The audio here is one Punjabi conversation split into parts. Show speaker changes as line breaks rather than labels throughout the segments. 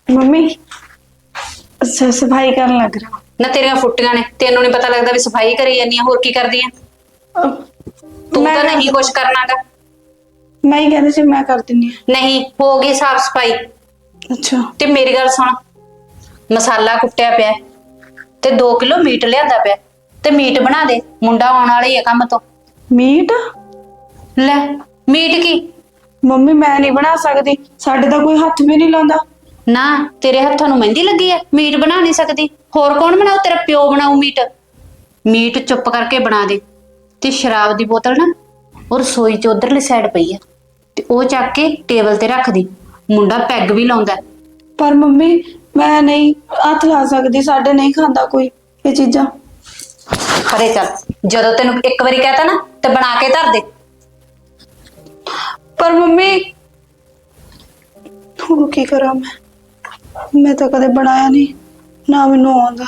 मम्मी सफाई करन लग रहा
ना तेरिया फुट्टियां ने तेनों नहीं पता लगता भी सफाई करी जानी होर की करदी है तू
मैं
तो नहीं कुछ करना गा
मैं ही कहती सी मैं कर दिनी
नहीं होगी साफ सफाई
अच्छा
ते मेरी गल सुन मसाला कुट्टिया पिया ते 2 किलो मीट लियांदा पिया ते मीट बना दे मुंडा आने वाला ही है काम तो
मीट
ले मीट की
मम्मी मैं नहीं बना सकती साडे तो कोई हाथ भी नहीं लांदा
ना तेरे हत्थों ਨੂੰ ਮਹਿੰਦੀ ਲੱਗੀ ਹੈ ਮੀਟ ਬਣਾ ਨਹੀਂ ਸਕਦੀ ਹੋਰ ਕੌਣ ਬਣਾਉ ਤੇਰਾ ਪਿਓ ਬਣਾਉ ਮੀਟ ਮੀਟ ਚੁੱਪ ਕਰਕੇ ਬਣਾ ਦੇ ਤੇ ਸ਼ਰਾਬ ਦੀ ਬੋਤਲ ਨਾ ਔਰ ਰਸੋਈ ਚ ਉਧਰਲੀ ਸਾਈਡ ਪਈ ਹੈ ਤੇ ਉਹ ਚੱਕ ਕੇ ਟੇਬਲ ਤੇ ਰੱਖ ਦੀ ਮੁੰਡਾ ਪੈਗ ਵੀ ਲਾਉਂਦਾ
पर मम्मी मैं नहीं हाथ ला सकती साडे नहीं खांदा कोई ये चीजा
ਪਰੇ ਚੱਲ ਜਦੋਂ ਤੈਨੂੰ ਇੱਕ ਵਾਰੀ ਕਹਤਾ ਨਾ ਤੇ ਬਣਾ ਕੇ ਧਰ ਦੇ
पर मम्मी ਹੁਣ ਕੀ ਕਰਾਂ मैं तो कदे बनाया नहीं ना मैनू आंदा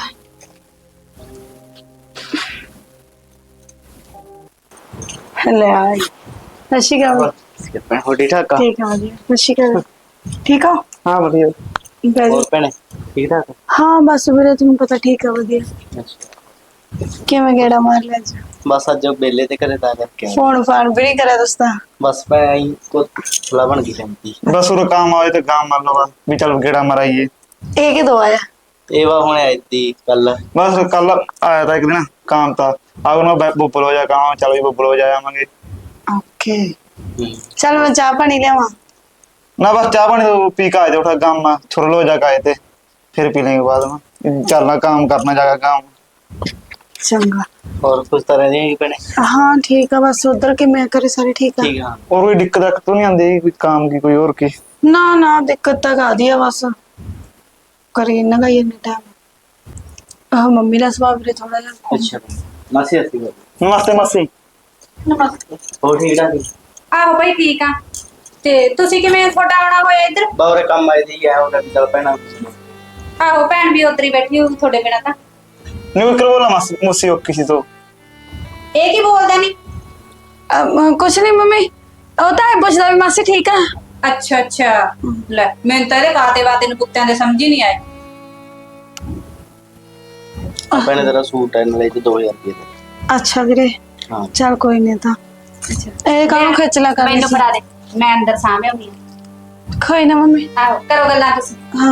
ले आई अच्छी गल
हो ठीक ठाक
ठीक है वधिया अच्छी गल ठीक हो
हाँ वधिया
बैठो
भैने ठीक ठाक
हाँ बस वीरे तुम पता ठीक है वधिया किवें गेड़ा मार लिया अज
बस अज बेले ते घरे ता करके
फोन फान भी नहीं करे दोस्ता
बस मैं आई को थोड़ा बन गई टैंकी
बस वो काम आए तो काम मान लो भी चल गेड़ा मराइए
एक ही दो आया
एवा होने आई थी कल
बस कल आया था एक दिन काम था अब ना बुबल हो जाए काम चल भी बुबल हो जाए आवांगे
ओके चल मैं चाह पानी लेवा
ना बस चाह पानी तो पी के आए थे उठा काम में छुरल हो जाके आए थे फिर पी लेंगे बाद में चलना काम करना जाकर काम
चंगा
और कुछ तरह नहीं बने
हाँ ठीक है बस उधर के मैं करे सारे ठीक है
ठीक है
और कोई दिक्कत तो नहीं आती कोई काम की कोई और की
ना ना दिक्कत तक आ दिया बस करी ना का ये टाइम मम्मी का स्वभाव भी थोड़ा जा
अच्छा मासी आती है
नमस्ते मासी
ਨਮਸਤੇ
हो ठीक ठाक
ਆਹੋ ਭਾਈ ਠੀਕ ਆ ਤੇ ਤੁਸੀਂ ਕਿਵੇਂ ਤੁਹਾਡਾ ਆਉਣਾ ਹੋਇਆ ਇੱਧਰ
बावरे काम आई थी है और चल पैना
ਆਹੋ ਭੈਣ ਵੀ ਉਧਰ ਹੀ ਬੈਠੀ ਹੋਊ ਤੁਹਾਡੇ ਬਿਨਾਂ ਤਾਂ
नहीं कर बोला मासी मुसी किसी तो
ਇਹ ਕੀ ਬੋਲਦਾ ਨਹੀਂ
कुछ नहीं मम्मी होता है पूछता भी मासी ठीक है
ਅੱਛਾ ਅੱਛਾ ਲੈ ਮੈਨੂੰ ਤਾਂ ਇਹਦੇ ਕਾਤੇ ਬਾਤੇ ਨੂੰ ਕੁੱਤਿਆਂ ਦੇ ਸਮਝ ਹੀ ਨਹੀਂ ਆਏ
पैने तेरा सूट है नले 2000 रुपए
अच्छा वीरे
हां
चल कोई नहीं था
ਅੱਛਾ
ए काम खिचला कर
ਮੈਨੂੰ ਫੜਾ ਦੇ ਮੈਂ ਅੰਦਰ ਸਾਂਭਿਆ ਹੋਈ
कोई ना मम्मी
ਆਹੋ ਕਰੋ ਗੱਲਾਂ ਤੁਸੀਂ
हाँ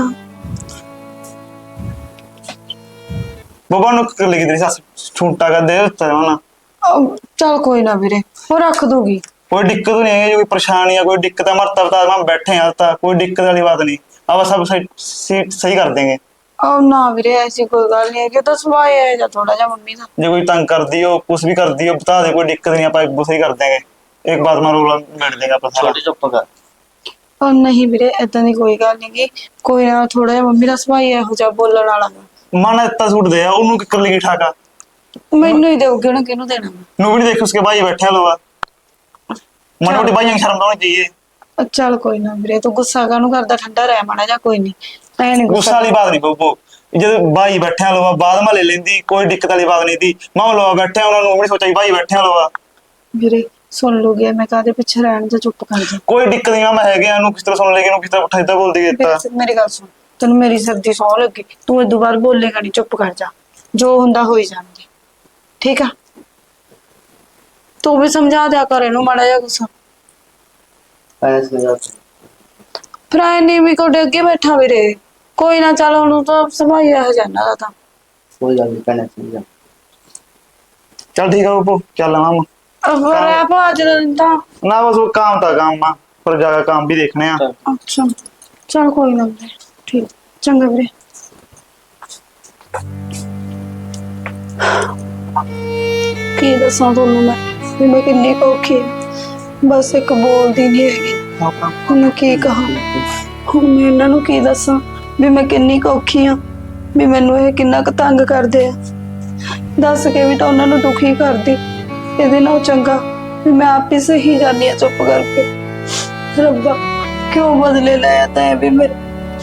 बाबा नु कर लगी तेरी सास छूटा कर दे ना
चल कोई ना वीरे वो रख दूंगी
कोई दिक्कत नहीं है कोई परेशानी है कोई दिक्कत है मरता बता हम बैठे हैं आता कोई दिक्कत वाली बात नहीं अब सब सही कर देंगे
और ना वीरे ऐसी कोई गल नहीं है कि तो सुभाव है या थोड़ा जा मम्मी का
जो कोई तंग कर दियो कुछ भी कर दियो बता दे कोई दिक्कत नहीं आप वो सही कर देंगे एक बात में रोला बैठ देंगे अपन सारा
छोटी चुप कर
और नहीं वीरे ऐदा दी कोई गल नहीं कि कोई ना थोड़ा जा मम्मी का सुभाव है हो जा बोलण वाला
मन इतना सूट दे ओनू कर लेगी ठाका
मैनू ही दोगे ना किनू देना
नु भी नहीं देख उसके भाई बैठे लोग मन मोटी भाई शर्म तो होनी चाहिए
चल कोई ना वीरे तू गुस्सा कानू करदा ठंडा रह माड़ा जा कोई नहीं मैं नहीं
गुस्सा वाली बात नहीं बब्बो जब भाई बैठे लोग बाद में ले लेंदी कोई दिक्कत वाली बात नहीं थी मां लोग बैठे उन्होंने भी सोचा भाई बैठे लोग
वीरे सुन लोगे मैं कादे पीछे रहन जा चुप कर जा
कोई दिक्कत नहीं मैं है गया किस तरह सुन लेगी किस तरह उठा इतना बोल दी
मेरी गल सुन तेन मेरी सर्दी सौ लगी तू इदू बार बोलेगा नहीं चुप कर जा जो हुंदा होई जांदे ठीक है तू भी समझा दिया कर इनू माड़ा जा गुस्सा
पैने समझा
फिर आए नहीं भी कोडे अगे बैठा वीरे कोई ना चल हुन तो संभालिया हो जाना था
कोई गल नहीं पैने समझा
चल ठीक है बब्बो चल मामा
अब रैप आज था
ना बस वो काम था काम में पर जाकर काम भी देखने हैं
अच्छा चल कोई ना वीरे ठीक चंगा वीरे की दसा तुहानू मैं किन्नी औखी है बस एक बोलदी नहीं हैगी हुण की कहा हुण मैं इन्हां नू की दसा भी मैं किन्नी औखी हाँ भी मैनू ये किन्ना क तंग करदे आ दस के भी तो उन्हां नू दुखी करदी इहदे नाल चंगा भी मैं आप ही सही जानी चुप करके रब्बा क्यों बदले लाया तैं भी मेरे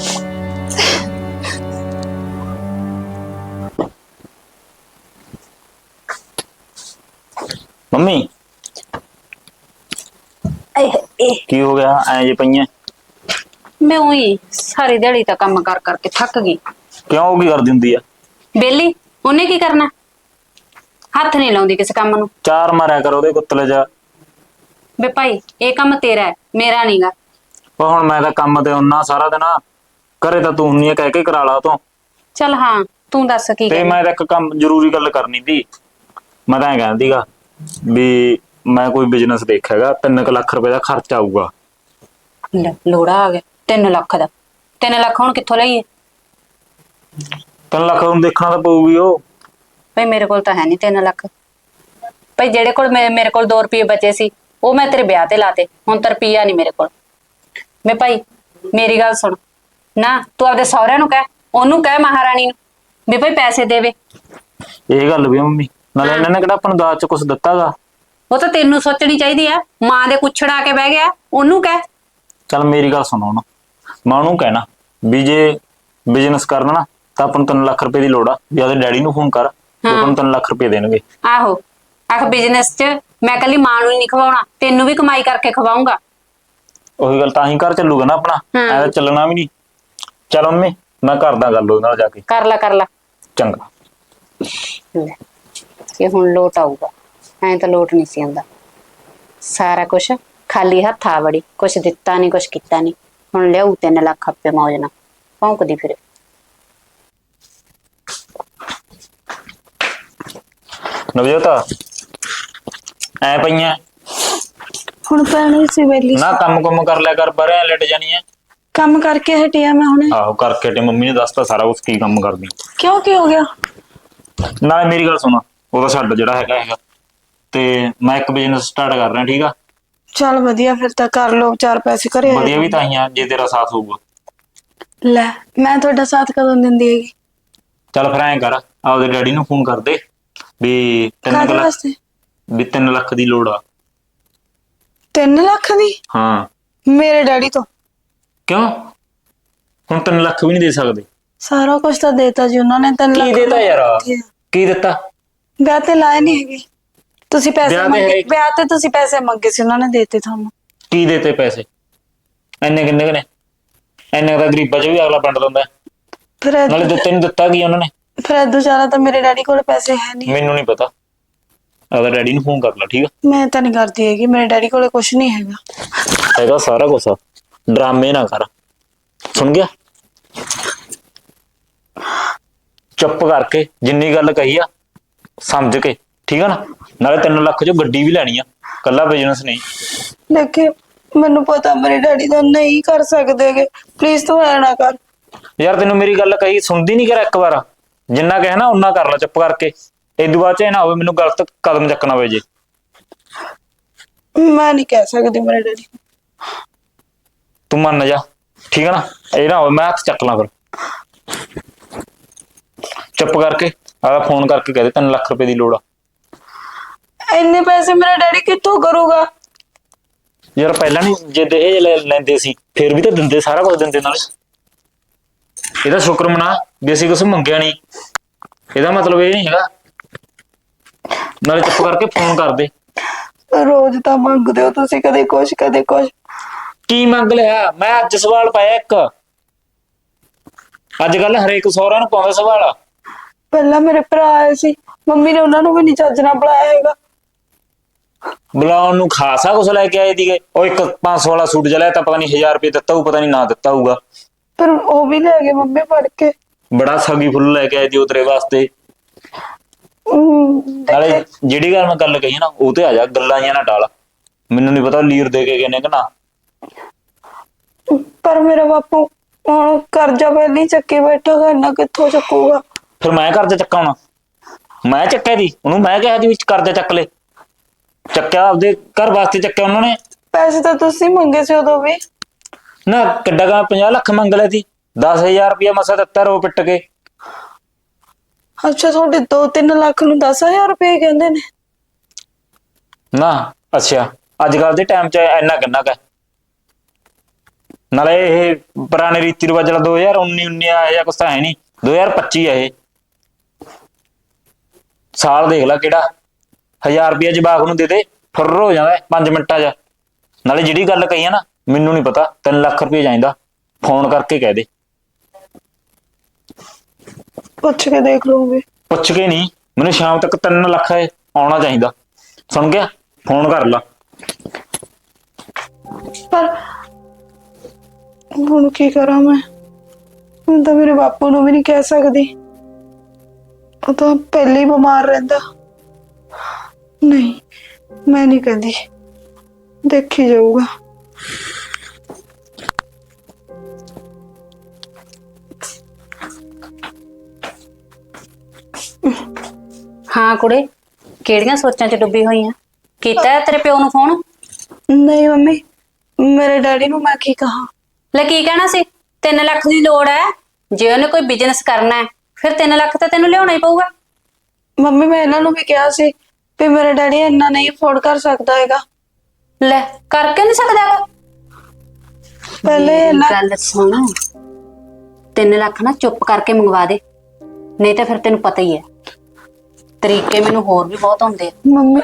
मम्मी की हो गया ऐ जे पईयां
ਮੈਂ ਉਹੀ ਸਾਰੀ ਦਿਹਾੜੀ ਤਾਂ ਕੰਮ ਕਰ ਕਰਕੇ ਥੱਕ ਗਈ।
ਕਿਉਂ ਉਹ ਕੀ ਕਰਦੀ ਹੁੰਦੀ ਆ?
ਬੇਲੀ ਉਹਨੇ ਕੀ ਕਰਨਾ, ਹੱਥ ਨਹੀਂ ਲਾਉਂਦੀ ਕਿਸੇ ਕੰਮ ਨੂੰ।
ਚਾਰ ਮਾਰਿਆ ਕਰ ਉਹਦੇ ਕੁੱਤਲੇ ਜਾ।
ਵੇ ਭਾਈ ਇਹ ਕੰਮ ਤੇਰਾ ਹੈ, ਮੇਰਾ ਨਹੀਂਗਾ।
ਉਹ ਹੁਣ ਮੈਂ ਤਾਂ ਕੰਮ ਤੇ ਹੁੰਨਾ ਸਾਰਾ ਦਿਨ, ਘਰੇ ਤਾਂ ਤੂੰ ਹੁੰਨੀ ਆ, ਕਹਿ ਕੇ ਕਰਾ ਲਾ ਤੂੰ।
ਚੱਲ ਹਾਂ ਤੂੰ ਦੱਸ ਕੀ
ਤੇ
ਕਰਨਾ।
ਮੈਂ ਤਾਂ ਇੱਕ ਕੰਮ ਜ਼ਰੂਰੀ ਗੱਲ ਕਰਨੀ ਸੀ। ਮੈਂ ਤਾਂ ਐਂ ਕਹਿੰਦੀਗਾ ਵੀ ਮੈਂ ਕੋਈ ਬਿਜ਼ਨਸ ਦੇਖਿਆਗਾ, 3 ਲੱਖ ਰੁਪਏ ਦਾ ਖਰਚ ਆਊਗਾ।
ਲੈ ਲੋੜਾ ਆ ਗਿਆ 3 ਲੱਖ ਦਾ। 3 ਲੱਖ ਹੁਣ ਕਿੱਥੋਂ ਲਈਏ?
3 ਲੱਖ ਨੂੰ ਦੇਖਣਾ ਤਾਂ ਪਊਗੀ ਉਹ।
ਭਾਈ ਮੇਰੇ ਕੋਲ ਤਾਂ ਹੈ ਨਹੀਂ 3 ਲੱਖ। ਭਾਈ ਜਿਹੜੇ ਕੋਲ ਮੇਰੇ ਕੋਲ 2 ਰੁਪਏ ਬਚੇ ਸੀ ਉਹ ਮੈਂ ਤੇਰੇ ਵਿਆਹ ਤੇ ਲਾਤੇ, ਹੁਣ ਤਾਂ ਰੁਪਈਆ ਨਹੀਂ ਮੇਰੇ ਕੋਲ। ਮੈਂ ਭਾਈ ਮੇਰੀ ਗੱਲ ਸੁਣ ਨਾ, ਤੂੰ ਆਪਦੇ ਸਹੁਰਿਆਂ ਨੂੰ ਕਹਿ, ਉਹਨੂੰ ਕਹਿ ਮਹਾਰਾਣੀ ਨੂੰ ਵੀ ਭਾਈ ਪੈਸੇ ਦੇਵੇ।
ਇਹ ਗੱਲ ਵੀ ਆ ਮੰਮੀ, ਨਾਲੇ ਇਹਨਾਂ ਨੇ ਕਿਹੜਾ ਆਪਾਂ ਨੂੰ ਦਾਜ ਚ ਕੁਛ ਦਿੱਤਾਗਾ।
ਉਹ ਤਾਂ ਤੈਨੂੰ ਸੋਚਣੀ ਚਾਹੀਦੀ ਆ, ਮਾਂ ਦੇ ਕੁੱਛੜ ਆ ਕੇ ਬਹਿ ਗਿਆ, ਉਹਨੂੰ ਕਹਿ।
ਚੱਲ ਮੇਰੀ ਗੱਲ ਸੁਣੋ ਨਾ, ਮੈਂ ਉਹਨੂੰ ਕਹਿਣਾ ਵੀ ਜੇ ਬਿਜ਼ਨਸ ਕਰਨਾ ਨਾ ਤਾਂ ਆਪਾਂ ਨੂੰ 3 ਲੱਖ ਰੁਪਏ ਦੀ ਲੋੜ ਆ, ਵੀ ਉਹਦੇ ਡੈਡੀ ਨੂੰ ਫੋਨ ਕਰ, ਆਪਾਂ ਨੂੰ 3 ਲੱਖ ਰੁਪਏ ਦੇਣਗੇ।
ਆਹੋ ਆਖ ਬਿਜ਼ਨਸ 'ਚ ਮੈਂ ਕੱਲੀ ਮਾਂ ਨੂੰ ਹੀ ਨਹੀਂ ਖਵਾਉਣਾ, ਤੈਨੂੰ ਵੀ ਕਮਾਈ ਕਰਕੇ ਖਵਾਉਂਗਾ।
ਉਹੀ ਗੱਲ, ਤਾਂ ਹੀ ਘਰ ਚੱਲੂਗਾ ਨਾ ਆਪਣਾ, ਐ ਤਾਂ ਚੱਲਣਾ ਵੀ ਨਹੀਂ। ਚਲ ਮੰਮੀ ਮੈਂ ਕਰਦਾ ਗੱਲ ਉਹਦੇ ਨਾਲ ਜਾ ਕੇ।
ਕਰ ਲਾ
ਚੰਗਾ।
ਲੈ, ਇਹ ਹੁਣ ਲੋਟ ਆਊਗਾ, ਐਂ ਤਾਂ ਲੋਟ ਨਹੀਂ ਸੀ ਆਉਂਦਾ। ਸਾਰਾ ਕੁਛ ਖਾਲੀ ਹੱਥ ਆ ਵੜੀ, ਕੁਛ ਦਿੱਤਾ ਨਹੀਂ ਕੁਛ ਕੀਤਾ ਨਹੀਂ। ਹੁਣ ਲਿਆਊ 3 ਲੱਖ ਆਪੇ ਮੌਜ ਨਾਲ ਭੌਂਕਦੀ ਫਿਰੇ।
ਨਵਜੋਤ ਐ ਪਈਆਂ
ਹੁਣ ਪੈਣੀ ਸੀ ਵੇਲੀ।
ਨਾ, ਕੰਮ ਕਰ ਲਿਆ ਕਰ, ਬਾਹਰ ਲਟ ਜਾਣੀ ਐ।
ਕੰਮ ਕਰਕੇ ਹਟਿਆ ਮੈਂ ਹੁਣੇ।
ਆਹੋ ਕਰਕੇ ਤੇ ਮੰਮੀ ਨੇ ਦੱਸਤਾ ਸਾਰਾ ਕੁਝ ਕੀ ਕੰਮ ਕਰਦੀ।
ਕਿਉਂ ਕੀ ਹੋ ਗਿਆ?
ਨਾਲੇ ਮੇਰੀ ਗੱਲ ਸੁਣ, ਉਹਦਾ ਛੱਡ ਜਿਹੜਾ ਹੈਗਾ ਤੇ ਮੈਂ ਇੱਕ ਬਿਜ਼ਨਸ ਸਟਾਰਟ ਕਰ ਰਿਹਾ, ਠੀਕ ਆ?
ਚੱਲ ਵਧੀਆ, ਫਿਰ ਤਾਂ ਕਰ ਲੋ, 4 ਪੈਸੇ ਘਰੇ ਆ
ਵਧੀਆ ਵੀ
ਜਾਣਗੇ।
ਤਾਂ ਹੀ ਆ ਜੇ ਤੇਰਾ ਸਾਥ ਹੋਊਗਾ।
ਲੈ ਮੈਂ ਤੁਹਾਡਾ ਸਾਥ ਕਦੋਂ ਦਿੰਦੀ ਹੈਗੀ?
ਚੱਲ ਫਿਰ ਐਂ ਕਰ, ਆਪਦੇ ਡੈਡੀ ਨੂੰ ਫੋਨ ਕਰ ਦੇ ਵੀ 3
ਕਾਹਦੇ
ਲੱਖ,
ਵਾਸਤੇ?
ਵੀ 3 ਲੱਖ ਦੀ ਲੋੜ ਆ।
3 ਲੱਖ ਦੀ?
ਹਾਂ।
ਮੇਰੇ ਡੈਡੀ ਤੋਂ?
ਕਿਉਂ ਹੁਣ 3 ਲੱਖ ਵੀ ਨਹੀਂ ਦੇ ਸਕਦੇ?
ਸਾਰਾ ਕੁਝ ਤਾਂ ਦੇਤਾ ਜੀ ਉਹਨਾਂ ਨੇ। 3 ਲੱਖ
ਕੀ ਦੇਤਾ ਯਾਰ?
ਕਿੱਥੇ ਆ?
ਕੀ ਦਿੱਤਾ?
ਵਿਆਹ ਤੇ ਲਾਏ ਨਹੀਂ ਹੈਗੇ ਤੁਸੀਂ ਪੈਸੇ
ਵਿਆਹ ਤੇ
ਮੰਗੇ?
ਹੈ।
ਵਿਆਹ ਤੇ ਤੁਸੀਂ ਪੈਸੇ ਮੰਗੇ ਸੀ, ਉਹਨਾਂ ਨੇ ਦੇਤੇ ਤੁਹਾਨੂੰ।
ਕੀ ਦੇਤੇ ਪੈਸੇ? ਇੰਨੇ ਕਿੰਨੇ ਕਨੇ? ਇੰਨੇ ਤਾਂ ਗਰੀਬਾਂ ਚ ਵੀ ਅਗਲਾ ਵੰਡ ਦਿੰਦਾ।
ਫਿਰ
ਨਾਲੇ ਦਿੱਤੇ ਨਹੀਂ, ਦਿੱਤਾ ਕੀ ਉਹਨਾਂ ਨੇ?
ਫਿਰ ਏਦੂ ਜ਼ਿਆਦਾ ਤਾਂ ਮੇਰੇ ਡੈਡੀ ਕੋਲ ਪੈਸੇ ਹੈ ਨਹੀਂ।
ਮੈਨੂੰ ਨਹੀਂ ਪਤਾ, ਆਪਦਾ ਡੈਡੀ ਨੂੰ ਫੋਨ ਕਰ ਲੈ, ਠੀਕ ਆ?
ਮੈਂ ਤਾਂ ਨਹੀਂ ਕਰਦੀ ਹੈਗੀ, ਮੇਰੇ ਡੈਡੀ ਕੋਲੇ ਕੁਝ ਨਹੀਂ ਹੈਗਾ।
ਹੈਗਾ ਸਾਰਾ ਕੁਛ, ਡਰਾਮੇ ਨਾ ਕਰ, ਸੁਣ ਗਿਆ? ਚੁੱਪ ਕਰਕੇ ਜਿੰਨੀ ਗੱਲ ਕਹੀ ਆ ਸਮਝ ਕੇ, ਠੀਕ ਆ ਨਾ? ਨਾਲੇ 3 ਲੱਖ ਚੋਂ ਗੱਡੀ ਵੀ ਲੈਣੀ ਆ, ਕੱਲਾ ਬਿਜ਼ਨਸ ਨਹੀਂ।
ਦੇਖੇ ਮੈਨੂੰ ਪਤਾ ਮੇਰੇ ਡੈਡੀ ਦਾ ਨਹੀਂ ਕਰ ਸਕਦੇਗੇ, ਪਲੀਜ਼ ਤੂੰ ਐ ਨਾ ਕਰ।
ਯਾਰ ਤੈਨੂੰ ਮੇਰੀ ਗੱਲ ਕਹੀ ਸੁਣਦੀ ਨਹੀਂ? ਕਰ ਇੱਕ ਵਾਰ, ਜਿੰਨਾ ਕਹੇ ਨਾ ਓਨਾ ਕਰ ਲੈ ਚੁੱਪ ਕਰਕੇ। ਇਦੋਂ ਬਾਅਦ ਚ ਇਹ ਨਾ ਹੋਵੇ ਮੈਨੂੰ ਗਲਤ ਕਦਮ ਚੱਕਣਾ ਪਵੇ ਜੇ।
ਮੈਂ ਨਹੀਂ ਕਹਿ ਸਕਦੀ ਮੇਰੇ ਡੈਡੀ।
ਤੂੰ ਮੰਨ ਜਾ, ਠੀਕ ਆ ਨਾ? ਇਹ ਨਾ ਹੋਵੇ ਮੈਂ ਹੱਥ ਚੱਕ ਲਾਂ ਫਿਰ। ਚੁੱਪ ਕਰਕੇ ਆਦਾ ਫੋਨ ਕਰਕੇ ਕਹਿ ਦੇ 3 ਲੱਖ ਰੁਪਏ ਦੀ ਲੋੜ ਆ।
ਇੰਨੇ ਪੈਸੇ ਮੇਰਾ ਡੈਡੀ ਕਿੱਥੋਂ ਕਰੂਗਾ?
ਯਾਰ ਪਹਿਲਾਂ ਨਹੀਂ ਜੇ ਦਹੇਜ ਲੈਂਦੇ ਸੀ ਫਿਰ ਵੀ ਤਾਂ ਦਿੰਦੇ, ਸਾਰਾ ਕੁਝ ਦਿੰਦੇ। ਨਾਲੇ ਇਹਦਾ ਸ਼ੁਕਰ ਮਨਾ ਵੀ ਅਸੀਂ ਕੁਛ ਮੰਗਿਆ ਨਹੀਂ, ਇਹਦਾ ਮਤਲਬ ਇਹ ਨਹੀਂ ਹੈਗਾ। ਨਾਲੇ ਚੁੱਪ ਕਰਕੇ ਫੋਨ ਕਰ ਦੇ।
ਰੋਜ਼ ਤਾਂ ਮੰਗਦੇ ਹੋ ਤੁਸੀਂ, ਕਦੇ ਕੁਛ ਕਦੇ ਕੁਛ।
ਕੀ ਮੰਗ ਲਿਆ? ਮੈਂ ਅੱਜ ਸਵਾਲ ਪਾਇਆ ਇੱਕ। ਅੱਜ ਕੱਲ ਹਰੇਕ ਸਹੁਰਾ ਨੂੰ ਪਾਉਂਦਾ ਸਵਾਲ।
ਪਹਿਲਾਂ ਮੇਰੇ ਭਰਾ ਆਏ ਸੀ, ਮੰਮੀ ਨੇ ਉਹਨਾਂ ਨੂੰ ਵੀ ਨਹੀਂ ਚੱਜ ਨਾਲ ਬੁਲਾਇਆ ਹੈਗਾ।
ਬੁਲਾਉਣ ਨੂੰ ਖਾਸਾ ਕੁਛ ਲੈ ਕੇ ਆਏ ਸੀਗੇ। ਉਹ ਇੱਕ 500 ਵਾਲਾ ਸੂਟ ਜਿਹਾ ਲਿਆ ਤਾਂ ਪਤਾ ਨਹੀਂ 1000 ਰੁਪਏ ਦਿੱਤਾ ਹੋਊ, ਪਤਾ ਨਹੀਂ ਨਾ ਦਿੱਤਾ ਹੋਊਗਾ।
ਪਰ ਉਹ ਵੀ ਲੈ ਗਏ ਮੰਮੀ ਫੜ ਕੇ।
ਬੜਾ ਸਗੀ ਫੁੱਲ ਲੈ ਕੇ ਆਏ ਸੀ ਉਹ ਤੇਰੇ ਵਾਸਤੇ। ਨਾਲੇ ਜਿਹੜੀ ਗੱਲ ਕਹੀ ਨਾ ਉਹ ਤੇ ਆ ਜਾ, ਗੱਲਾਂ ਜਾਂ ਨਾ ਟਾਲ। ਮੈਨੂੰ ਨਹੀਂ ਪਤਾ ਲੀਰ ਦੇ ਕੇ ਗਏ ਨੇ ਕਿ ਨਾ।
ਪਰ ਮੇਰਾ ਬਾਪੂ ਹੁਣ ਕਰਜ਼ਾ ਪਹਿਲੀ ਚੱਕੀ ਬੈਠਾ ਗਾ, ਇੰਨਾ ਕਿੱਥੋਂ ਚੱਕੂਗਾ?
ਫਿਰ ਮੈਂ ਕਰਜ਼ਾ ਚੱਕਾ ਹੋਣਾ? ਮੈਂ ਚੱਕਿਆ ਦੀ ਉਹਨੂੰ? ਮੈਂ ਕਿਹਾ ਦੀ ਵਿੱਚ ਕਰਜ਼ਾ ਚੱਕ ਲੈ। ਚੱਕਿਆ ਆਪਦੇ ਘਰ ਵਾਸਤੇ ਚੱਕਿਆ ਉਹਨਾਂ ਨੇ।
ਪੈਸੇ ਤਾਂ ਤੁਸੀਂ ਮੰਗੇ ਸੀ ਉਦੋਂ ਵੀ।
ਨਾ ਕਿੱਡਾ ਗਾ 50 ਲੱਖ ਮੰਗ ਲਿਆ ਸੀ, 10,000 ਰੁਪਇਆ ਮਸਾ ਦਿੱਤਾ ਰੋ ਪਿੱਟ ਕੇ।
ਅੱਛਾ ਤੁਹਾਡੇ 2-3 ਲੱਖ ਨੂੰ 10,000 ਰੁਪਏ ਕਹਿੰਦੇ ਨੇ?
ਨਾ ਅੱਛਾ, ਅੱਜ ਕੱਲ ਦੇ ਟਾਈਮ 'ਚ ਇੰਨਾ ਕਿੰਨਾ ਕੁ? ਨਾਲੇ ਇਹ ਪੁਰਾਣੇ ਰੀਤੀ ਰਿਵਾਜ ਵਾਲਾ 2019 ਆ ਜਾਂ ਕੁਛ ਤਾਂ ਹੈ ਨਹੀਂ, 2025 ਆ ਇਹ ਸਾਲ। ਦੇਖ ਲੈ ਕਿਹੜਾ 1000 ਰੁਪਇਆ ਜਵਾਕ ਨੂੰ ਦੇ ਦੇ ਫੁਰ ਹੋ ਜਾਂਦਾ 5 ਮਿੰਟਾਂ 'ਚ। ਨਾਲੇ ਜਿਹੜੀ ਗੱਲ ਕਹੀ ਆ ਨਾ, ਮੈਨੂੰ ਨਹੀਂ ਪਤਾ 3 ਲੱਖ ਰੁਪਏ ਚਾਹੀਦਾ। ਫੋਨ ਕਰਕੇ ਕਹਿ ਦੇ।
ਪੁੱਛ ਕੇ ਦੇਖ ਲਵਾਂਗੇ।
ਪੁੱਛ ਕੇ ਨਹੀਂ, ਮੈਨੂੰ ਸ਼ਾਮ ਤੱਕ 3 ਲੱਖ ਆਉਣਾ ਚਾਹੀਦਾ। ਸੁਣ ਗਿਆ? ਫੋਨ ਕਰ ਲਾ।
ਪਰ ਹੁਣ ਕੀ ਕਰਾਂ ਮੈਂ? ਹੁਣ ਤਾਂ ਮੇਰੇ ਬਾਪੂ ਨੂੰ ਵੀ ਨਹੀਂ ਕਹਿ ਸਕਦੀ, ਉਹ ਤਾਂ ਪਹਿਲੇ ਹੀ ਬਿਮਾਰ ਰਹਿੰਦਾ। ਨਹੀਂ, ਮੈਂ ਨਹੀਂ ਕਹਿੰਦੀ, ਦੇਖੀ ਜਾਊਗਾ।
ਹਾਂ ਕੁੜੇ, ਕਿਹੜੀਆਂ ਸੋਚਾਂ 'ਚ ਡੁੱਬੀ ਹੋਈ ਆ? ਕੀਤਾ ਹੈ ਤੇਰੇ ਪਿਓ ਨੂੰ ਫੋਨ?
ਨਹੀਂ ਮੰਮੀ, ਮੇਰੇ ਡੈਡੀ ਨੂੰ ਮੈਂ ਕੀ ਕਹਾਂ?
ਲੈ ਕੀ ਕਹਿਣਾ ਸੀ? 3 ਲੱਖ ਦੀ ਲੋੜ ਹੈ, ਜੇ ਉਹਨੇ ਕੋਈ ਬਿਜ਼ਨਸ ਕਰਨਾ ਹੈ ਫਿਰ 3 ਲੱਖ ਤਾਂ ਤੈਨੂੰ ਲਿਆਉਣਾ ਹੀ ਪਊਗਾ।
ਮੰਮੀ ਮੈਂ ਇਹਨਾਂ ਨੂੰ ਵੀ ਕਿਹਾ ਸੀ ਵੀ ਮੇਰਾ ਡੈਡੀ ਇੰਨਾ ਨਹੀਂ ਅਫੋਰਡ ਕਰ ਸਕਦਾ ਹੈਗਾ।
ਲੈ ਕਰਕੇ ਨਹੀਂ ਸਕਦਾ ਹੈਗਾ।
ਪਹਿਲੇ
ਮੇਰੀ
ਇਹਨਾਂ
ਗੱਲ ਸੁਣ, 3 ਲੱਖ ਨਾ ਚੁੱਪ ਕਰਕੇ ਮੰਗਵਾ ਦੇ, ਨਹੀਂ ਤਾਂ ਫਿਰ ਤੈਨੂੰ ਪਤਾ ਹੀ ਹੈ ਤਰੀਕੇ ਮੈਨੂੰ ਹੋਰ ਵੀ ਬਹੁਤ ਆਉਂਦੇ ਆ।
ਮੰਮੀ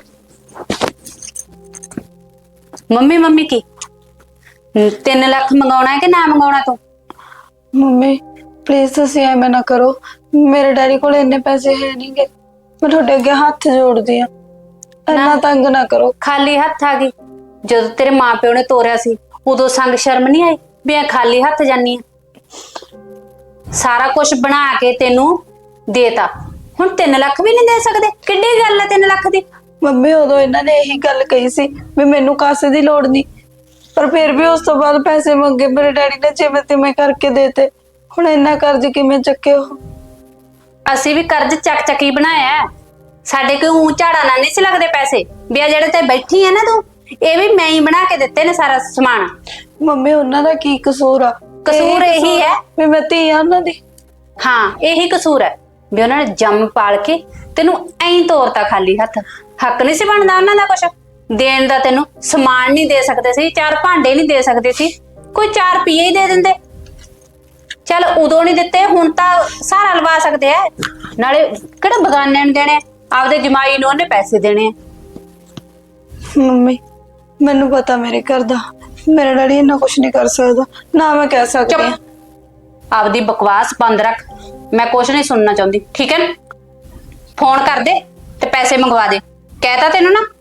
ਮੰਮੀ ਮੰਮੀ ਕੀ 3 ਲੱਖ ਮੰਗਾਉਣਾ ਹੈ ਕਿ ਨਾ ਮੰਗਾਉਣਾ ਤੂੰ?
ਮੰਮੀ ਪਲੀਜ਼ ਤੁਸੀਂ ਐਵੇਂ ਨਾ ਕਰੋ, ਮੇਰੇ ਡੈਡੀ ਕੋਲ ਇੰਨੇ ਪੈਸੇ ਹੈ ਨਹੀਂਗੇ। ਮੈਂ ਤੁਹਾਡੇ ਅੱਗੇ ਹੱਥ ਜੋੜਦੀ ਆ, ਇੰਨਾ ਤੰਗ ਨਾ ਕਰੋ।
ਖਾਲੀ ਹੱਥ ਆ ਗਈ? ਜਦੋਂ ਤੇਰੇ ਮਾਪਿਓ ਨੇ ਤੋਰਿਆ ਸੀ ਉਦੋਂ ਸੰਗ ਸ਼ਰਮ ਨਹੀਂ ਆਈ ਵੀ ਆ ਖਾਲੀ ਹੱਥ ਜਾਨੀ ਆ? ਸਾਰਾ ਕੁਝ ਬਣਾ ਕੇ ਤੈਨੂੰ ਦੇਤਾ, ਹੁਣ 3 ਲੱਖ ਵੀ ਨਹੀਂ ਦੇ ਸਕਦੇ? ਕਿੱਡੀ ਗੱਲ ਹੈ 3 ਲੱਖ ਦੀ?
ਮੰਮੀ ਉਦੋਂ ਇਹਨਾਂ ਨੇ ਇਹੀ ਗੱਲ ਕਹੀ ਸੀ ਵੀ ਮੈਨੂੰ ਕਾਸੇ ਦੀ ਲੋੜ ਨਹੀਂ, ਪਰ ਫਿਰ ਵੀ ਉਸ ਤੋਂ ਬਾਅਦ ਪੈਸੇ ਮੰਗੇ ਮੇਰੇ ਡੈਡੀ ਨੇ, ਜਿਵੇਂ ਤਿਵੇਂ ਕਰਕੇ ਦੇਤੇ। ਹੁਣ ਇੰਨਾ ਕਰਜ਼ ਕਿਵੇਂ ਚੱਕਿਓ?
ਅਸੀਂ ਵੀ ਕਰਜ਼ ਚੱਕ ਚੱਕੀ ਬਣਾਇਆ ਹੈ। ਸਾਡੇ ਕੋਈ ਊਂ ਝਾੜਾ ਨਾਲ ਨਹੀਂ ਸੀ ਲੱਗਦੇ ਪੈਸੇ ਵੀ ਆ ਜਿਹੜੇ ਤੇ ਬੈਠੀ ਹੈ ਨਾ ਤੂੰ, ਇਹ ਵੀ ਮੈਂ ਹੀ ਬਣਾ ਕੇ ਦਿੱਤੇ ਨੇ ਸਾਰਾ ਸਮਾਨ।
ਮੰਮੀ ਉਹਨਾਂ ਦਾ ਕੀ ਕਸੂਰ ਆ?
ਕਸੂਰ ਇਹੀ ਹੈ
ਵੀ ਮੈਂ ਧੀ ਆ ਉਹਨਾਂ ਦੀ।
ਹਾਂ ਇਹੀ ਕਸੂਰ ਹੈ ਵੀ ਉਹਨਾਂ ਨੇ ਜੰਮ ਪਾਲ ਕੇ ਤੈਨੂੰ ਐਂ ਤੋਰਤਾ ਖਾਲੀ ਹੱਥ। ਹੱਕ ਨਹੀਂ ਸੀ ਬਣਦਾ ਉਹਨਾਂ ਦਾ ਕੁਛ ਦੇਣ ਦਾ? ਤੈਨੂੰ ਸਮਾਨ ਨਹੀਂ ਦੇ ਸਕਦੇ ਸੀ, 4 ਭਾਂਡੇ ਨਹੀਂ ਦੇ ਸਕਦੇ ਸੀ, ਕੋਈ 4 ਰੁਪਏ ਹੀ ਦੇ ਦਿੰਦੇ। ਚੱਲ ਉਦੋਂ ਨਹੀਂ ਦਿੱਤੇ, ਹੁਣ ਤਾਂ ਸਾਰਾ ਲਵਾ ਸਕਦੇ ਆ। ਨਾਲੇ ਕਿਹੜਾ ਬਗਾਨਿਆਂ ਨੂੰ ਦੇਣੇ, ਆਪਦੇ ਜਮਾਈ ਨੂੰ ਉਹਨੇ ਪੈਸੇ ਦੇਣੇ ਆ।
ਮੰਮੀ ਮੈਨੂੰ ਪਤਾ ਮੇਰੇ ਘਰ ਦਾ, ਮੇਰਾ ਡੈਡੀ ਇੰਨਾ ਕੁਛ ਨਹੀਂ ਕਰ ਸਕਦਾ, ਨਾ ਮੈਂ ਕਹਿ ਸਕਦੀ ਹਾਂ।
ਆਪਦੀ ਬਕਵਾਸ ਬੰਦ ਰੱਖ, ਮੈਂ ਕੁਛ ਨਹੀਂ ਸੁਣਨਾ ਚਾਹੁੰਦੀ, ਠੀਕ ਹੈ ਨਾ? ਫੋਨ ਕਰ ਦੇ ਤੇ ਪੈਸੇ ਮੰਗਵਾ ਦੇ, ਕਹਿਤਾ ਤੈਨੂੰ ਨਾ।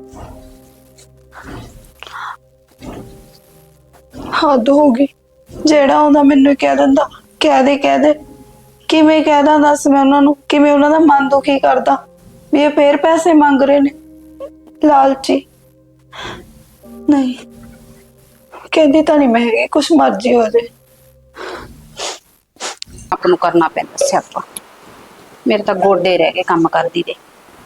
ਹੱਦ ਹੋ ਗਈ, ਜਿਹੜਾ ਆਉਂਦਾ ਮੈਨੂੰ ਹੀ ਕਹਿ ਦਿੰਦਾ ਕਹਿ ਦੇ। ਕਿਵੇਂ ਕਹਿਦਾ ਦੱਸ ਮੈਂ ਉਹਨਾਂ ਨੂੰ? ਕਿਵੇਂ ਉਹਨਾਂ ਦਾ ਮਨ ਦੁਖੀ ਕਰਦਾ ਵੀ ਇਹ ਫੇਰ ਪੈਸੇ ਮੰਗ ਰਹੇ ਨੇ, ਲਾਲਚੀ। ਨਹੀਂ ਕਹਿੰਦੀ ਤਾਂ ਨਹੀਂ ਮੈਂ ਹੈਗੀ, ਕੁਛ ਮਰਜ਼ੀ ਹੋ ਜਾਏ।
ਆਪ ਨੂੰ ਕਰਨਾ ਪੈਂਦਾ ਸਿਆਪਾ, ਮੇਰੇ ਤਾਂ ਗੋਡੇ ਰਹਿ ਗਏ ਕੰਮ ਕਰਦੀ ਦੇ।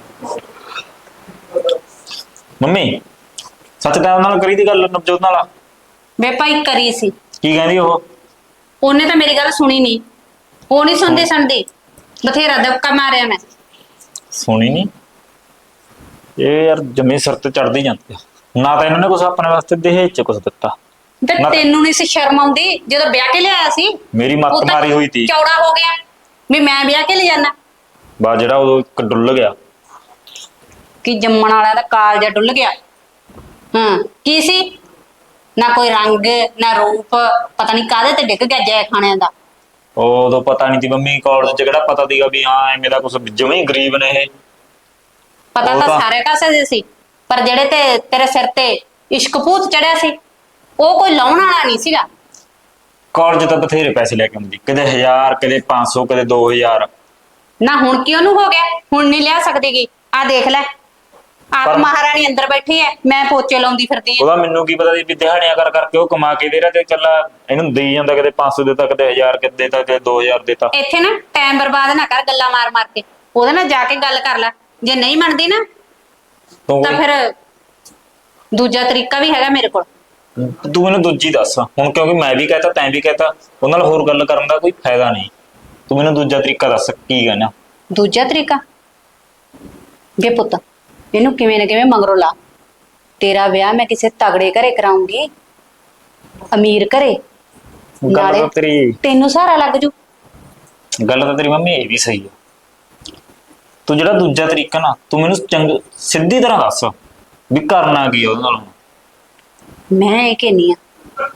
ਮੰਮੀ ਸੱਚ ਟਾਈਮ ਨਾਲ ਕਰੀ ਦੀ ਗੱਲ ਨਵਜੋਤ ਨਾਲ?
ਵੇ ਭਾਈ ਕਰੀ ਸੀ,
ਕੀ ਕਹਿੰਦੀ ਉਹ?
ਉਹਨੇ ਤਾਂ ਮੇਰੀ ਗੱਲ ਸੁਣੀ ਨਹੀਂ, ਉਹ ਨਹੀਂ ਸੁਣਦੀ, ਬਥੇਰਾ ਦਬਕਾ ਮਾਰਿਆ ਮੈਂ।
ਸੁਣੀ ਨਹੀਂ? ਇਹ ਯਾਰ ਜਮੇ ਸਿਰ ਤੇ ਚੜਦੀ ਜਾਂਦੀ ਆ। ਨਾ ਤਾਂ ਇਹਨਾਂ ਨੇ ਕੁਛ ਆਪਣੇ ਵਾਸਤੇ ਦਹੇਜ ਚ ਕੁਛ ਦਿੱਤਾ।
ਤੇ ਤੈਨੂੰ ਨਹੀਂ ਸੀ ਸ਼ਰਮ ਆਉਂਦੀ ਜਦੋਂ ਵਿਆਹ ਕੇ ਲਿਆਇਆ ਸੀ?
ਮੇਰੀ
ਉਹ
ਮੱਤ
ਤਾਂ
ਮਾਰੀ ਹੋਈ ਤੀ।
ਚੌੜਾ ਹੋ ਗਿਆ ਵੀ ਮੈਂ ਵਿਆਹ ਕੇ ਲੈ ਜਾਣਾ।
ਬਾ ਜਿਹੜਾ ਉਦੋਂ ਇੱਕ ਡੁੱਲ ਗਿਆ
ਕਿ ਜੰਮਣ ਵਾਲਿਆਂ ਦਾ ਕਾਲਜਾ ਡੁੱਲ ਗਿਆ। ਹਾਂ ਕੀ ਸੀ? ਨਾ ਕੋਈ ਰੰਗ ਨਾ ਰੂਪ, ਪਤਾ ਨਹੀਂ ਕਾਹਦੇ ਤੇ ਡਿੱਗ ਗਿਆ ਜੈ ਖਾਣਿਆਂ ਦਾ।
ਉਦੋਂ ਪਤਾ ਨਹੀਂ ਤੀ ਮੰਮੀ, ਕਾਲਜ ਚ ਕਿਹੜਾ ਪਤਾ ਸੀਗਾ ਵੀ ਹਾਂ ਐਵੇਂ ਦਾ ਕੁਛ, ਜਮੇ ਗਰੀਬ ਨੇ ਇਹ।
ਪਤਾ
ਉਹ
ਤਾਂ
ਤਾਂ-
ਸਾਰੇ ਕਾਸੇ ਦੇ ਸੀ, ਪਰ ਜਿਹੜੇ ਤੇ ਤੇਰੇ ਸਿਰ ਤੇ ਇਸ਼ਕ ਭੂਤ ਚੜਿਆ ਸੀ ਉਹ ਕੋਈ ਲਾਉਣ ਵਾਲਾ ਨਹੀਂ ਸੀਗਾ।
ਕਾਲਜ ਤਾਂ ਬਥੇਰੇ ਪੈਸੇ ਲੈ ਕੇ ਆਉਂਦੀ, ਕਦੇ 1000 ਕਦੇ 500 ਕਦੇ 2000।
ਨਾ ਹੁਣ ਕਿਉਂ ਨੂੰ ਹੋ ਗਿਆ? ਹੁਣ ਨਹੀਂ ਲਿਆ ਸਕਦੀਗੀ? ਆ ਦੇਖ ਲੈ, ਆਪ
ਪਰ-
ਮਹਾਰਾਣੀ ਅੰਦਰ ਬੈਠੀ ਹੈ, ਮੈਂ ਪੋਚੇ ਲਾਉਂਦੀ ਫਿਰਦੀ ਹਾਂ।
ਉਹਦਾ ਮੈਨੂੰ ਕੀ ਪਤਾ ਸੀ ਵੀ ਦਿਹਾੜੀਆਂ ਕਰ ਕਰਕੇ ਉਹ ਕਮਾ ਕੇ ਦੇ ਰਿਹਾ ਤੇ ਚੱਲ ਇਹਨੂੰ ਦੇਈ ਜਾਂਦਾ, ਕਦੇ 500 ਦੇਤਾ ਕਦੇ 1000 ਕਦੇ ਦੇਤਾ ਕਦੇ 2000 ਦੇਤਾ।
ਇੱਥੇ ਨਾ ਟਾਈਮ ਬਰਬਾਦ ਨਾ ਕਰ ਗੱਲਾਂ ਮਾਰ ਮਾਰ ਕੇ, ਉਹਦੇ ਨਾਲ ਜਾ ਕੇ ਗੱਲ ਕਰ ਲੈ। ਜੇ ਨਹੀਂ ਮੰਨਦੀ ਨਾ
ਤੂੰ
ਤਾਂ ਫਿਰ ਦੂਜਾ ਤਰੀਕਾ ਵੀ ਹੈਗਾ ਮੇਰੇ ਕੋਲ।
ਤੂੰ ਮੈਨੂੰ ਦੂਜੀ ਦੱਸ ਹੁਣ, ਕਿਉਂਕਿ ਮੈਂ ਵੀ ਕਹਤਾ ਤੈਂ ਵੀ ਕਹਤਾ, ਉਹਨਾਂ ਨਾਲ ਹੋਰ ਗੱਲ ਕਰਨ ਦਾ ਕੋਈ ਫਾਇਦਾ ਨਹੀਂ। ਤੂੰ ਮੈਨੂੰ ਦੂਜਾ ਤਰੀਕਾ ਦੱਸ ਕੀ ਕਹਿਣਾ।
ਦੂਜਾ ਤਰੀਕਾ? ਵੇ ਪੁੱਤ, ਇਹਨੂੰ ਕਿਵੇਂ ਨਾ ਕਿਵੇਂ ਮਗਰੋਂ ਲਾ। ਤੇਰਾ ਵਿਆਹ ਮੈਂ ਕਿਸੇ ਤਗੜੇ ਘਰੇ ਕਰਾਉਂਗੀ, ਅਮੀਰ ਘਰੇ,
ਗੱਲ
ਨਾਲੇ
ਤਾਂ ਤੇਰੀ
ਤੈਨੂੰ ਸਹਾਰਾ ਲੱਗ ਜੂ।
ਗੱਲ ਤਾਂ ਤੇਰੀ ਮੰਮੀ ਇਹ ਵੀ ਸਹੀ ਆ। ਤੂੰ ਜਿਹੜਾ ਦੂਜਾ ਤਰੀਕਾ ਨਾ, ਤੂੰ ਮੈਨੂੰ ਸਿੱਧੀ ਤਰ੍ਹਾਂ ਦੱਸ ਵੀ ਕਰਨਾ ਕੀ ਆ ਉਹਦੇ ਨਾਲ।
ਮੈਂ ਇਹ ਕਹਿੰਦੀ ਆ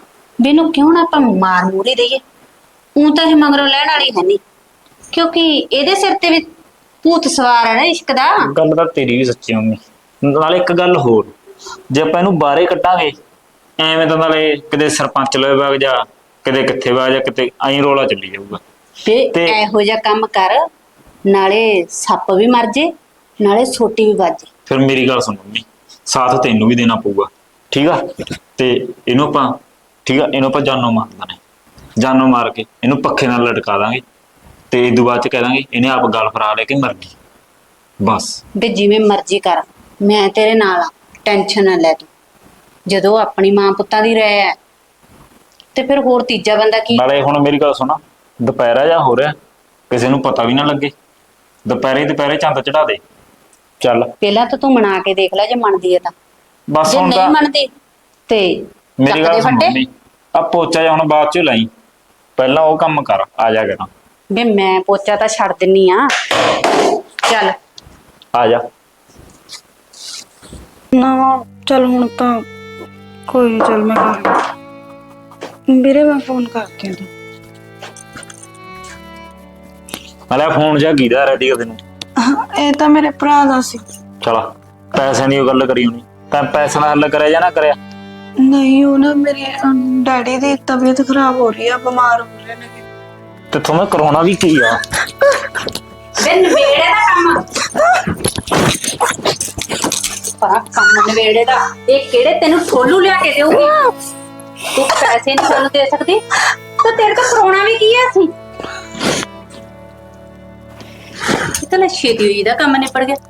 ਵੀ ਇਹਨੂੰ ਕਿਉਂ ਨਾ ਆਪਾਂ ਮਾਰ ਮੂਰੀ ਦਈਏ। ਉਹ ਤਾਂ ਇਹ ਮਗਰੋਂ ਲੈਣ ਵਾਲੀ ਹੈ ਨਹੀਂ, ਕਿਉਂਕਿ ਇਹਦੇ ਸਿਰ ਤੇ ਵੀ ਭੂਤ ਸਵਾਰ ਹੈ ਨਾ ਇਸ਼ਕ ਦਾ।
ਗੱਲ ਤਾਂ ਤੇਰੀ ਵੀ ਸੱਚੀ ਮੰਮੀ। ਨਾਲੇ ਇੱਕ ਗੱਲ ਹੋਰ, ਜੇ ਆਪਾਂ ਇਹਨੂੰ ਬਾਹਰੇ ਕੱਢਾਂਗੇ ਐਵੇਂ ਤਾਂ ਨਾਲੇ ਕਿਤੇ ਸਰਪੰਚ ਲਵੇ ਵਗ ਜਾ, ਕਿਤੇ ਕਿੱਥੇ ਵਗ ਜਾ, ਕਿਤੇ ਐਂ ਰੋਲਾ ਚੱਲੀ ਜਾਊਗਾ।
ਤੇ ਇਹੋ ਜਿਹਾ ਕੰਮ ਕਰ, ਨਾਲੇ ਸੱਪ ਵੀ ਮਰ ਜੇ, ਨਾਲੇ ਛੋਟੀ ਵੀ ਵੱਜ ਜੇ।
ਫਿਰ ਮੇਰੀ ਗੱਲ ਸੁਣ ਮੰਮੀ, ਸਾਥ ਤੈਨੂੰ ਵੀ ਦੇਣਾ ਪਊਗਾ, ਠੀਕ ਆ? ਤੇ ਇਹਨੂੰ ਆਪਾਂ, ਠੀਕ ਆ, ਇਹਨੂੰ ਆਪਾਂ ਜਾਨੋਂ ਮਾਰ ਦਾਂਗੇ। ਜਾਨੋਂ ਮਾਰ ਕੇ ਇਹਨੂੰ ਪੱਖੇ ਨਾਲ ਲਟਕਾ ਦਾਂਗੇ ਤੇ ਇਹ ਤੋਂ ਬਾਅਦ ਚ ਕਹਿ ਦਾਂਗੇ ਇਹਨੇ ਆਪ ਗਲ ਫਰਾ ਲੈ ਕੇ ਮਰ ਗਈ, ਬਸ।
ਵੀ ਜਿਵੇਂ ਮਰਜ਼ੀ ਕਰ, ਮੈਂ ਤੇਰੇ ਨਾਲ ਆ, ਟੈਨਸ਼ਨ ਨਾ ਲੈ ਤੂੰ। ਜਦੋਂ ਆਪਣੀ ਮਾਂ ਪੁੱਤਾਂ ਦੀ ਰਹਿ ਹੈ ਤੇ ਫਿਰ ਹੋਰ ਤੀਜਾ ਬੰਦਾ ਕੀ?
ਨਾਲੇ ਹੁਣ ਮੇਰੀ ਗੱਲ ਸੁਣਾ, ਦੁਪਹਿਰਾ ਜਾਂ ਹੋ ਰਿਹਾ, ਕਿਸੇ ਨੂੰ ਪਤਾ ਵੀ ਨਾ ਲੱਗੇ। ਦੁਪਹਿਰੇ ਚੰਦ ਚੜਾ ਦੇ, ਚੱਲ।
ਪਹਿਲਾਂ ਤਾਂ ਤੂੰ ਮਨਾ ਕੇ ਦੇਖ ਲੈ, ਜੇ ਮੰਨਦੀ ਹੈ ਤਾਂ।
ਬਸ
ਜੇ
ਹੁਣ
ਨਹੀਂ
ਤਾਂ
ਮੰਨਦੀ ਤੇ
ਮੇਰੀ
ਚੱਕ
ਗੱਲ
ਦੇ
ਸੁਣ
ਫੱਟੇ।
ਮੰਮੀ, ਆ ਪੋਚਾ ਜਿਹਾ ਹੁਣ ਬਾਅਦ ਚ ਲਾਈ, ਪਹਿਲਾਂ ਉਹ ਕੰਮ ਕਰ, ਆ ਜਾ ਕਰਾਂ।
ਵੀ ਮੈਂ ਪੋਚਾ ਤਾਂ ਛੱਡ ਦਿੰਨੀ ਆ, ਚੱਲ।
ਆ ਜਾ।
ਨਾ ਚਲ ਹੁਣ ਤਾਂ ਕੋਈ ਨੀ, ਚੱਲ ਮੈਂ ਕਰ ਵੀਰੇ ਮੈਂ ਫੋਨ ਕਰਕੇ ਆਉਂਦੀ।
ਨਾਲੇ ਫੋਨ ਜਾ ਕੀਦਾ ਰੈਡੀ ਕਰ ਤੈਨੂੰ?
ਇਹ ਤਾਂ ਮੇਰੇ ਭਰਾ ਦਾ ਸੀ।
ਚਲ ਪੈਸੇ ਦੀ ਉਹ ਗੱਲ ਕਰੀ ਹੋਣੀ, ਤਾਂ ਪੈਸੇ ਦਾ ਹੱਲ ਕਰਿਆ ਜਾਂ ਨਾ ਕਰਿਆ?
ਨਹੀਂ, ਉਹ ਨਾ ਮੇਰੇ ਡੈਡੀ ਦੀ ਤਬੀਅਤ ਖਰਾਬ ਹੋ ਰਹੀ ਆ, ਬਿਮਾਰ ਹੋ ਰਹੇ ਨੇ।
ਤੇ ਤੁਹਾਨੂੰ ਕਰਾਉਣਾ ਵੀ ਕੀ ਆ?
ਵੇ ਨਵੇੜੇ ਦਾ ਕੰਮ, ਪਰ ਕੰਮ ਨਵੇੜੇ ਦਾ ਇਹ ਕਿਹੜੇ ਤੈਨੂੰ ਠੋਲੂ ਲਿਆ ਕੇ ਦੇਊਗੀ? ਤੂੰ ਪੈਸੇ ਨਹੀਂ ਸਾਨੂੰ ਦੇ ਸਕਦੀ ਤਾਂ ਤੇਰੇ ਤੋਂ ਕਰਾਉਣਾ ਵੀ ਕੀ ਹੈ ਅਸੀਂ? ਇਤਨਾ ਛੇਤੀ ਹੋਈ ਦਾ ਕੰਮ ਨਿਪੜ ਗਿਆ।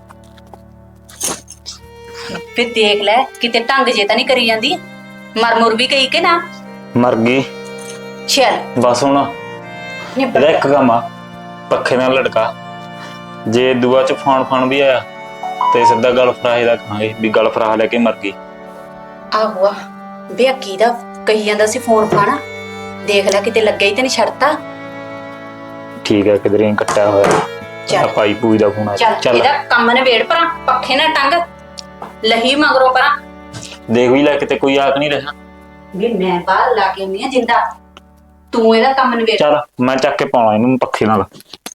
ਫਿਰ ਦੇਖ ਲੈ ਕਿਤੇ ਢੰਗ ਜੇ ਤਾਂ ਨਹੀਂ ਕਰੀ ਜਾਂਦੀ, ਮਰ ਮੁਰ ਵੀ ਗਈ ਕਿ ਨਾ?
ਮਰ ਗਈ।
ਚੱਲ
ਬਸ ਹੁਣ
ਨਿਪੜ
ਇਹਦਾ
ਗਿਆ।
ਇੱਕ ਕੰਮ ਆ, ਪੱਖੇ ਨਾਲ ਲਟਕਾ। ਜੇ ਦੁਆ ਚ ਫਾਨ ਵੀ ਆਇਆ ਤੇ ਸਿੱਧਾ ਗਲ ਫਰਾਹੇ ਦਾ ਕਹਾਂਗੇ ਵੀ ਗਲ ਫਰਾਹ ਲੈ ਕੇ ਮਰ ਗਈ।
ਆਹੋ ਆ ਬੇ ਕੀ ਦਾ ਕਹੀ ਜਾਂਦਾ ਸੀ ਫੋਨ ਫਾਣਾ, ਦੇਖ ਲੈ ਕਿਤੇ ਲੱਗਿਆ ਹੀ ਤੇ ਨਹੀਂ ਛੱਡਤਾ।
ਠੀਕ ਹੈ, ਕਿਧਰੇ ਕੱਟਿਆ ਹੋਇਆ
ਚੱਲ।
ਭਾਈ ਪੂਈ ਦਾ ਫੋਨ ਆ।
ਚੱਲ ਇਹਦਾ ਕੰਮ ਨਵੇੜ ਪਰਾਂ, ਪੱਖੇ ਨਾਲ ਟੰਗ ਲਹੀ ਮਗਰੋਂ ਪਰਾਂ।
ਦੇਖ ਵੀ ਲੈ ਕਿਤੇ ਕੋਈ ਆਖ ਨਹੀਂ ਰਿਹਾ।
ਵੀ ਮੈਂ ਬਾਹਰ ਲਾ ਕੇ ਆਉਂਦੀ ਆ ਜਿੰਦਾ, ਤੂੰ ਇਹਦਾ ਕੰਮ ਨਵੇੜ।
ਚੱਲ ਮੈਂ ਚੱਕ ਕੇ ਪਾਉਣਾ ਇਹਨੂੰ ਪੱਖੇ ਨਾਲ।